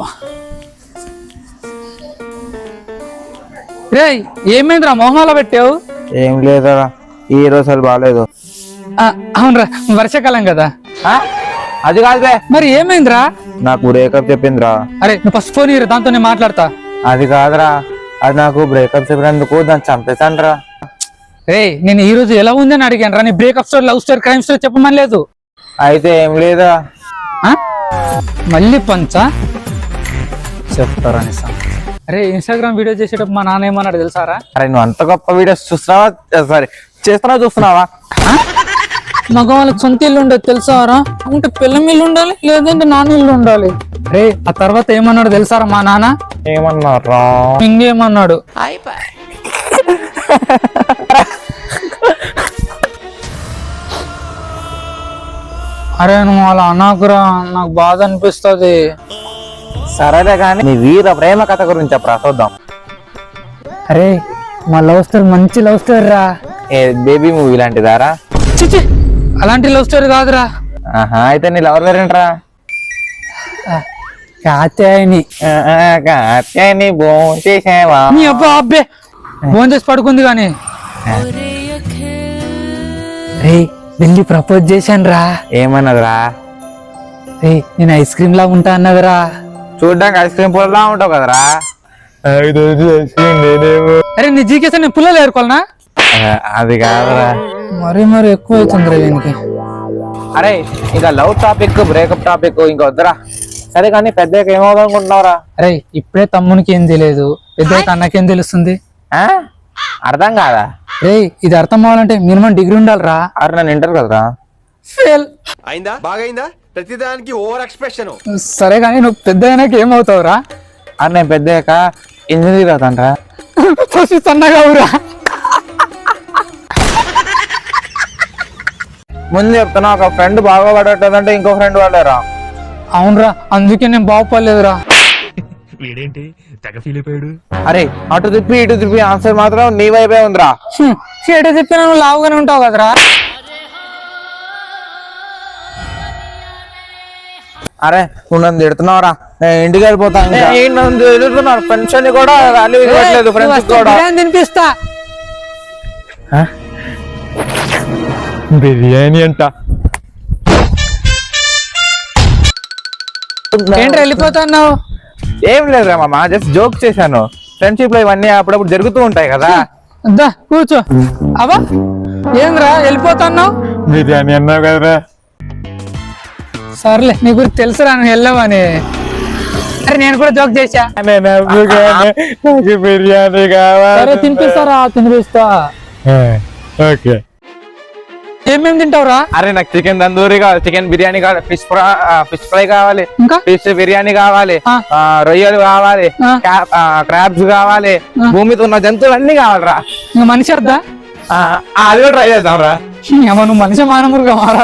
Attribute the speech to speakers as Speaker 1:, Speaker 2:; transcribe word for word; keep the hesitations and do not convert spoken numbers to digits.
Speaker 1: అబ్బా రే ఏమైందిరా మొహమాల పెట్టావు?
Speaker 2: ఏం లేదురా, ఈ రోజు అసలు బాగాలేదు.
Speaker 1: అవునరా వర్షాకాలం కదా.
Speaker 2: అది కాదు బే.
Speaker 1: మరి ఏమైందిరా?
Speaker 2: నాకు బ్రేకప్ చెప్పిందిరా.
Speaker 1: అరే నువ్వు ఫస్ట్ ఫోన్ ఇరు, దాంతో నేను మాట్లాడతా.
Speaker 2: అది కాదురా, అది నాకు బ్రేకప్ చెప్పినందుకు దాన్ని చంపేశాను రా.
Speaker 1: రే నేను ఈ రోజు ఎలా ఉందని అడిగాను రా, నీ breakup story, love story, crime story చెప్పమని లేదు.
Speaker 2: అయితే ఏం లేదా,
Speaker 1: మళ్ళీ పంచా చెప్తారా? అరే ఇన్స్టాగ్రామ్ వీడియో చేసేటప్పుడు మా నాన్న ఏమన్నాడు తెలుసారా?
Speaker 2: అరే నువ్వు అంత గొప్ప వీడియోస్ చూస్తున్నావా, సారీ చేస్తున్నావా చూస్తున్నావా?
Speaker 1: మగవాళ్ళకి సొంత ఇల్లు ఉండదు తెలుసారా? అంటే పిల్లం ఇల్లు ఉండాలి, లేదంటే నాన్న ఇల్లు ఉండాలి. రే ఆ తర్వాత ఏమన్నాడు తెలుసారా మా నాన్న?
Speaker 2: ఏమన్నారా?
Speaker 1: ఇంకేమన్నాడు, అరే నువ్వు అలా అనాకురా, నాకు బాధ అనిపిస్తుంది.
Speaker 2: సరేలే కానీ నీ వీర ప్రేమ కథ గురించి చెప్పరా చూద్దాం.
Speaker 1: అరే మా లవ్ స్టోరీ మంచి లవ్ స్టోరీ రా.
Speaker 2: ఏ బేబీ మూవీ లాంటిదారా?
Speaker 1: చిచి అలాంటి లవ్ స్టోరీ కాదురా.
Speaker 2: ఆహా అయితే నీ లవర్ పేరేంట్రా?
Speaker 1: కాత్యాయని.
Speaker 2: కాత్యాయని భోంచేసావా?
Speaker 1: నీ అబ్బా అబ్బే ఫోన్ చేసి పడుకుంది కానీ. రే వెళ్ళి ప్రపోజ్ చేశాను రా.
Speaker 2: ఏమన్నదిరా?
Speaker 1: రే నేను ఐస్ క్రీమ్ లా ఉంటా అన్నదిరా.
Speaker 2: చూడ్డానికి ఐస్ క్రీమ్ పుల్లలా ఉంటావు కదరా.
Speaker 1: అరే నీ జీకేసా నేను పుల్లలు ఏరుకోవాలనా?
Speaker 2: అది కాదురా.
Speaker 1: మరీ మరి ఎక్కువ అవుతుందిరా దీనికి.
Speaker 2: అరే ఇంకా లవ్ టాపిక్ బ్రేకప్ టాపిక్ ఇంకా వద్దురా. సరే కానీ పెద్దగా ఏమవుదాం అనుకుంటున్నావురా?
Speaker 1: అరే ఇప్పుడే తమ్మునికి ఏం తెలియదు, పెద్దగా అన్నకేం తెలుస్తుంది?
Speaker 2: ఆ అర్థం కాదా?
Speaker 1: రే ఇది అర్థం అవ్వాలంటే మినిమం డిగ్రీ ఉండాలిరా.
Speaker 2: అరే నన్ను ఇంటర్ కదరా.
Speaker 1: ఫెయిల్
Speaker 3: అయిందా? బాగైందా? ప్రతిదానికి ఓవర్ ఎక్స్ప్రెషన్.
Speaker 1: సరే కానీ నువ్వు పెద్ద అయినాక ఏమవుతావురా?
Speaker 2: అరే నేను పెద్దగా ఇంజనీర్ అవుతానరా.
Speaker 1: ఫస్ట్ సన్నగా ఊరా.
Speaker 2: ముందు చెప్తున్నా, ఒక ఫ్రెండ్ బాగుపడేటంటే ఇంకో ఫ్రెండ్ వాళ్ళేరా.
Speaker 1: అవునరా, అందుకే నేను బాగుపడలేదురా.
Speaker 4: వీడేంటి తెగ ఫీల్ అయిపోయాడు?
Speaker 2: అరే అటు తిప్పి ఇటు తిప్పి ఆన్సర్ మాత్రం నీ వైపే ఉందిరా.
Speaker 1: షేట చెప్పినా నువ్వు లావుగానే ఉంటావు కదరా.
Speaker 2: అరే నువ్వు నన్ను తిడుతున్నావురా, నేను ఇంటికి వెళ్ళిపోతాను. నన్ను తిడుతున్నారు, ఫ్రెండ్స్ అని కూడా వాల్యూ ఇవ్వట్లేదు. ఫ్రెండ్స్ కూడా
Speaker 1: తినిపిస్తా.
Speaker 2: బిర్యానీ అంట.
Speaker 1: ఏంటి వెళ్ళిపోతున్నావు?
Speaker 2: ఏం లేదురా మామ, జస్ట్ జోక్ చేశాను. ఫ్రెండ్షిప్ లో ఇవన్నీ అప్పుడప్పుడు జరుగుతూ ఉంటాయి కదా.
Speaker 1: దా కూర్చో. అవా ఏంద్రా వెళ్ళిపోతున్నావు?
Speaker 2: బిర్యానీ అన్నావు కదరా.
Speaker 1: సర్లే నీ గురించి తెలుసురా నువ్వు వెళ్ళవని. అరే నేను కూడా జోక్ చేశా.
Speaker 2: నాకు బిర్యానీ కావాలి.
Speaker 1: సరే తినిపిస్తారా? తినిపిస్తా.
Speaker 2: ఓకే.
Speaker 1: ఏమేమి తింటావురా?
Speaker 2: అరే నాకు చికెన్ తందూరి కావాలి, చికెన్ బిర్యానీ కావాలి, ఫిష్ ఫ్రై ఫిష్ ఫ్రై కావాలి,
Speaker 1: ఇంకా
Speaker 2: ఫిష్ బిర్యానీ కావాలి, రొయ్యలు కావాలి, క్రాబ్స్ కావాలి, భూమితో ఉన్న జంతువులు అన్ని కావాలరా.
Speaker 1: ఇంకా మనిషి వద్దా?
Speaker 2: అది కూడా ట్రై చేద్దాం రా.
Speaker 1: నువ్వు మనిషి మానవుడుగా మారా.